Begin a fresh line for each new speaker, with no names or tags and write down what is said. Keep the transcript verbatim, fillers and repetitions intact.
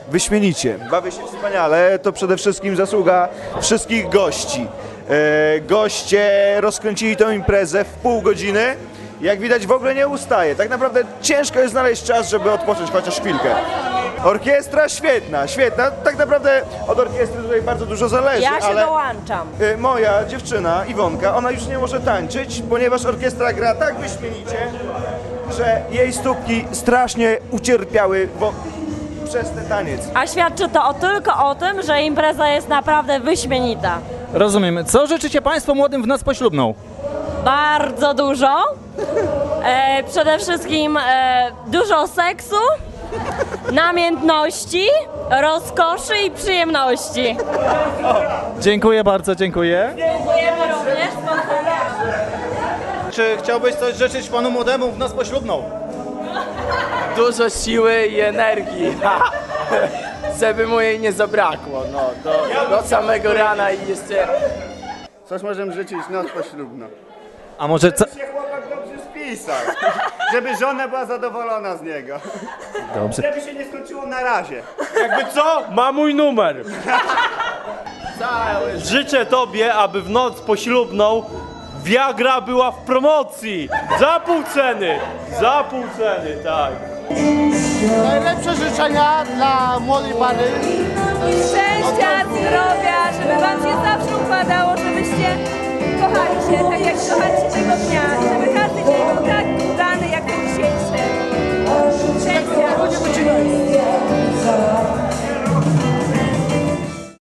wyśmienicie, bawię się wspaniale, to przede wszystkim zasługa wszystkich gości. E, goście rozkręcili tę imprezę w pół godziny, jak widać w ogóle nie ustaje. Tak naprawdę ciężko jest znaleźć czas, żeby odpocząć chociaż chwilkę. Orkiestra świetna, świetna, tak naprawdę od orkiestry tutaj bardzo dużo zależy,
Ja się
ale...
dołączam.
Y, Moja dziewczyna, Iwonka, ona już nie może tańczyć, ponieważ orkiestra gra tak wyśmienicie, że jej stópki strasznie ucierpiały bo... przez ten taniec.
A świadczy to o, tylko o tym, że impreza jest naprawdę wyśmienita.
Rozumiem. Co życzycie Państwo młodym w noc poślubną?
Bardzo dużo. E, przede wszystkim e, dużo seksu, namiętności, rozkoszy i przyjemności.
Dziękuję bardzo, dziękuję.
Dziękujemy również.
Czy chciałbyś coś życzyć panu młodemu w noc poślubną?
Dużo siły i energii, żeby mu jej nie zabrakło, no, do, do samego rana i jeszcze...
Coś możemy życzyć noc poślubną.
A może co...
Się chłopak dobrze spisał, żeby żona była zadowolona z niego.
Dobrze.
Żeby się nie skończyło na razie.
Jakby co? Ma mój numer. Życzę tobie, aby w noc poślubną Viagra była w promocji. Za pół ceny. Za pół ceny, tak.
Najlepsze życzenia dla młodej pary.
Szczęścia, zdrowia, żeby wam się zawsze układało, żebyście